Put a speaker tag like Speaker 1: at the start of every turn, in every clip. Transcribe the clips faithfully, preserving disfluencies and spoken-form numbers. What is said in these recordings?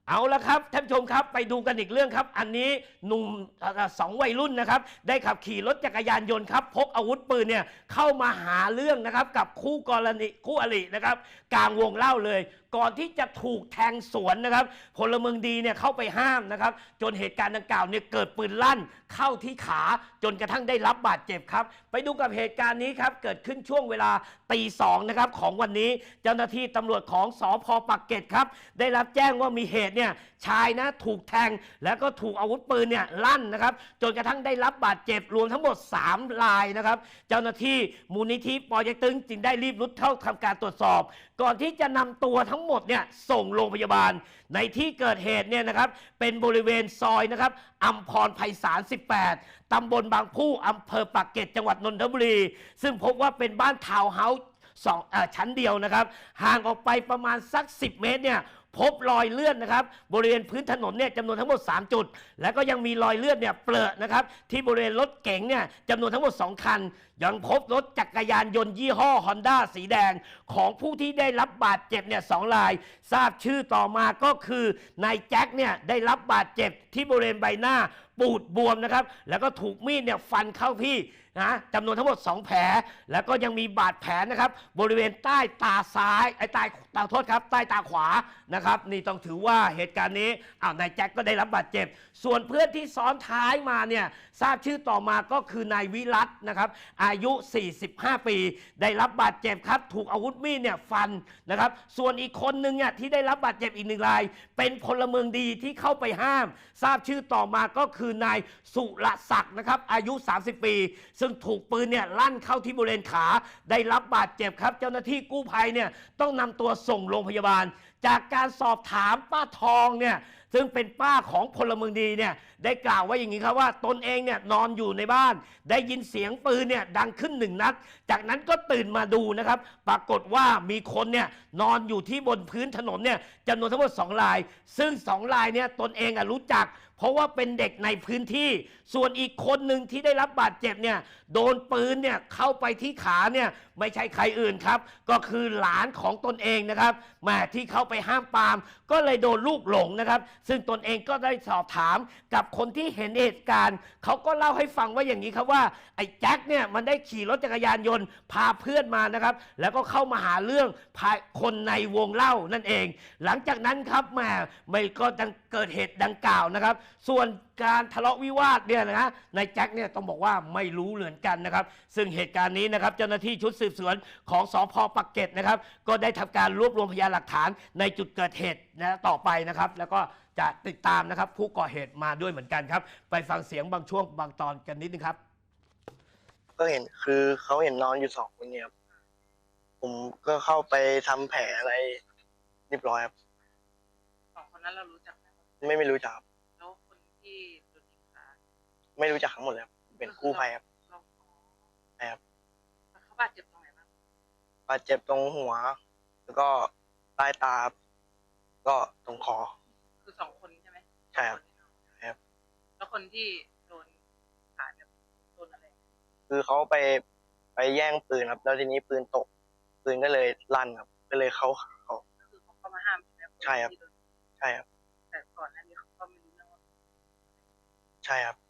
Speaker 1: เอาละครับท่านผู้ชมครับไปดูกันอีกเรื่องครับอันนี้หนุ่มสองวัยรุ่นนะครับได้ขับขี่รถจักรยานยนต์ครับพกอาวุธปืนเนี่ยเข้ามาหาเรื่องนะครับกับคู่กรณีคู่อรินะครับกลางวงเล่าเลยก่อนที่จะถูกแทงสวนนะครับพลเมืองดีเนี่ยเข้าไปห้ามนะครับจนเหตุการณ์ดังกล่าวเนี่ยเกิดปืนลั่นเข้าที่ขาจนกระทั่งได้รับบาดเจ็บครับไปดูกับเหตุการณ์นี้ครับเกิดขึ้นช่วงเวลาตีสองนะครับของวันนี้เจ้าหน้าที่ตำรวจของสภ.ปากเกร็ดครับได้รับแจ้งว่ามีเหตุเนี่ยชายนะถูกแทงแล้วก็ถูกอาวุธปืนเนี่ยลั่นนะครับจนกระทั่งได้รับบาดเจ็บรวมทั้งหมดสามรายนะครับเจ้าหน้าที่มูลนิธิปยตึงจึงได้รีบรุดเข้าทำการตรวจสอบก่อนที่จะนำตัวทั้งหมดเนี่ยส่งโรงพยาบาลในที่เกิดเหตุเนี่ยนะครับเป็นบริเวณซอยนะครับอัมพรไพศาลสิบแปดตำบลบางผู้อำเภอปากเกร็ดจังหวัดนนทบุรีซึ่งพบว่าเป็นบ้านทาวน์เฮาส์สองชั้นเดียวนะครับห่างออกไปประมาณสักสิบเมตรเนี่ยพบรอยเลือดนะครับบริเวณพื้นถนนเนี่ยจำนวนทั้งหมดสามจุดแล้วก็ยังมีรอยเลือดเนี่ยเปรอะนะครับที่บริเวณรถเก๋งเนี่ยจำนวนทั้งหมดสองคันยังพบรถจักรยานยนต์ยี่ห้อ Honda สีแดงของผู้ที่ได้รับบาดเจ็บเนี่ยสองรายทราบชื่อต่อมาก็คือนายแจ็คเนี่ยได้รับบาดเจ็บที่บริเวณใบหน้าปูดบวมนะครับแล้วก็ถูกมีดเนี่ยฟันเข้าที่นะจำนวนทั้งหมดสองแผลแล้วก็ยังมีบาดแผลนะครับบริเวณใต้ตาซ้ายไอ้ใต้ตาโทษครับใต้ตาขวานะครับนี่ต้องถือว่าเหตุการณ์นี้อ้าวนายแจ็คก็ได้รับบาดเจ็บส่วนเพื่อนที่ซ้อนท้ายมาเนี่ยทราบชื่อต่อมาก็คือนายวิรัตนะครับอายุสี่สิบห้าปีได้รับบาดเจ็บครับถูกอาวุธมีดเนี่ยฟันนะครับส่วนอีกคนนึงเนี่ยที่ได้รับบาดเจ็บอีกหนึ่งรายเป็นพลเมืองดีที่เข้าไปห้ามทราบชื่อต่อมาก็คือนายสุรศักดิ์นะครับอายุสามสิบปีซึ่งถูกปืนเนี่ยลั่นเข้าที่บริเวณขาได้รับบาดเจ็บครับเจ้าหน้าที่กู้ภัยเนี่ยต้องนำตัวส่งโรงพยาบาลจากการสอบถามป้าทองเนี่ยซึ่งเป็นป้าของพลเมืองดีเนี่ยได้กล่าวว่าอย่างนี้ครับว่าตนเองเนี่ยนอนอยู่ในบ้านได้ยินเสียงปืนเนี่ยดังขึ้นหนึ่งนัดจากนั้นก็ตื่นมาดูนะครับปรากฏว่ามีคนเนี่ยนอนอยู่ที่บนพื้นถนนเนี่ยจำนวนทั้งหมดสองรายซึ่งสองรายเนี่ยตนเองอ่ะรู้จักเพราะว่าเป็นเด็กในพื้นที่ส่วนอีกคนหนึ่งที่ได้รับบาดเจ็บเนี่ยโดนปืนเนี่ยเข้าไปที่ขาเนี่ยไม่ใช่ใครอื่นครับก็คือหลานของตนเองนะครับแม่ที่เข้าไปห้ามปรามก็เลยโดนลูกหลงนะครับซึ่งตนเองก็ได้สอบถามกับคนที่เห็นเหตุการณ์เขาก็เล่าให้ฟังว่าอย่างนี้ครับว่าไอ้แจ็คเนี่ยมันได้ขี่รถจักรยานยนต์พาเพื่อนมานะครับแล้วก็เข้ามาหาเรื่องพาคนในวงเล่านั่นเองหลังจากนั้นครับแม่ไม่ก็เกิดเหตุดังกล่าวนะครับส่วนการทะเลาะวิวาทเนี่ยนะนายแจ็คเนี่ยต้องบอกว่าไม่รู้เหมือนกันนะครับซึ่งเหตุการณ์นี้นะครับเจ้าหน้าที่ชุดสืบสวนของสภ.ปากเกร็ดนะครับก็ได้ทำการรวบรวมพยานหลักฐานในจุดเกิดเหตุนะต่อไปนะครับแล้วก็จะติดตามนะครับผู้ก่อเหตุมาด้วยเหมือนกันครับไปฟังเสียงบางช่วงบางตอนกันนิดนึงครับ
Speaker 2: ก็เห็นคือเขาเห็นนอนอยู่สองคนเนี่ยครับผมก็เข้าไปทำแผลอะไรเรียบร้อยครับ
Speaker 3: สองคนนั้นเรารู้จักไหม
Speaker 2: ไม่ไม่รู้จักครับ
Speaker 3: แล้วคนที่โดนยิงขา
Speaker 2: ไม่รู้จักทั้งหมดเลยครับเป็นกู้ภัยครับ
Speaker 3: เรา
Speaker 2: ใช่ครับ
Speaker 3: แล้วเขาบาดเจ็บตรงไหนบ้าง
Speaker 2: บาดเจ็บตรงหัวแล้วก็ใต้ตาก็ตรงคอ
Speaker 3: คือสองคนใช่ไหม
Speaker 2: ใช่ครับครับ
Speaker 3: แล้วคนที่โดนขาเนี่ยโดนอะไร
Speaker 2: คือเขาไปไปแย่งปืนครับแล้วทีนี้ปืนตกปืนก็เลยลั่นครับก็เลยเขาเขา
Speaker 3: คือเขาเข้ามาห้ามใช่ไหม
Speaker 2: ใช่ครับใช่ครับ
Speaker 3: แต่ก่อนหน้านี้เขาก็ไม่รู้เรื่องว่า
Speaker 2: ใช่ครับ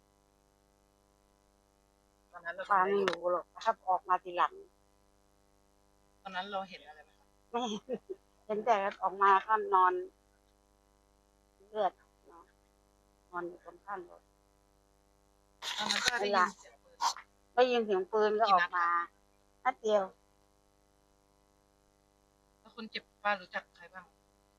Speaker 3: ตอนนั้นเรา
Speaker 4: ฟ้าไม่รู้หรอกถ้าออกมาทีหลัง
Speaker 3: ตอนนั้นเราเห็นอะไรไหม
Speaker 4: ไม่เห็นแต่ออกมาก็นอนเลือดนอนอยู่ตรงข้างรถ
Speaker 3: ตอนนั้นก็ได้ยินเสียงปืน
Speaker 4: ได้ยินเสียงปืนก็ออกมานัดเดียว
Speaker 3: แล้วคนเจ็บป้ารู้จักใครบ้าง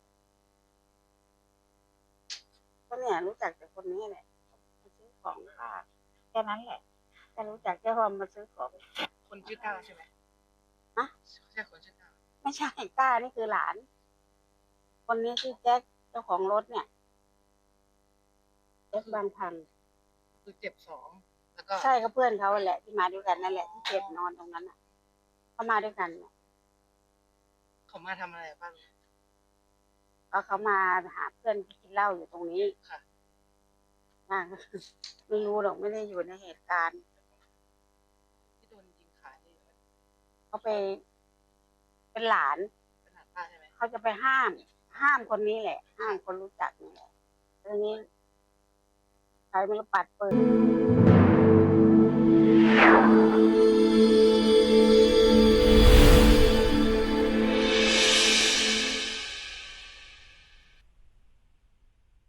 Speaker 4: ก็เนี่ยรู้จักแต่คนนี้แหละมาซื้อของป้าแค่นั้นแหละแต่รู้จักแค่ว่ามาซื้อของ
Speaker 3: คนชื่อต้าใช่ไหม
Speaker 4: ฮะ
Speaker 3: ใช่คนชื่อต้า
Speaker 4: ไม่ใช่ต้านี่คือหลานคนนี้ชื่อแจ็คเจ้าของรถเนี่ยแจ็คบางพัน
Speaker 3: คือเจ็บสองแล้วก็
Speaker 4: ใช่ก็เพื่อนเขาแหละที่มาด้วยกันนั่นแหละที่เจ็บนอนตรงนั้นอ่ะเขามาด้วยกัน
Speaker 3: เขามาทำอะไรบ้าง
Speaker 4: ก็เขามาหาเพื่อนที่กินเหล้าอยู่ตรงนี้
Speaker 3: ค่ะ
Speaker 4: ไม่รู้หรอกไม่ได้อยู่ในเหตุการณ์
Speaker 3: ที่โดนยิงขานี่
Speaker 4: เขาไปเป็นหลาน
Speaker 3: เป็นหลานป้าใช่ไหม
Speaker 4: เขาจะไปห้ามห้ามคนนี้แหละ ห้ามคนรู้จักนี่แหละทีนี้ใครไม่รู้ปัดปืน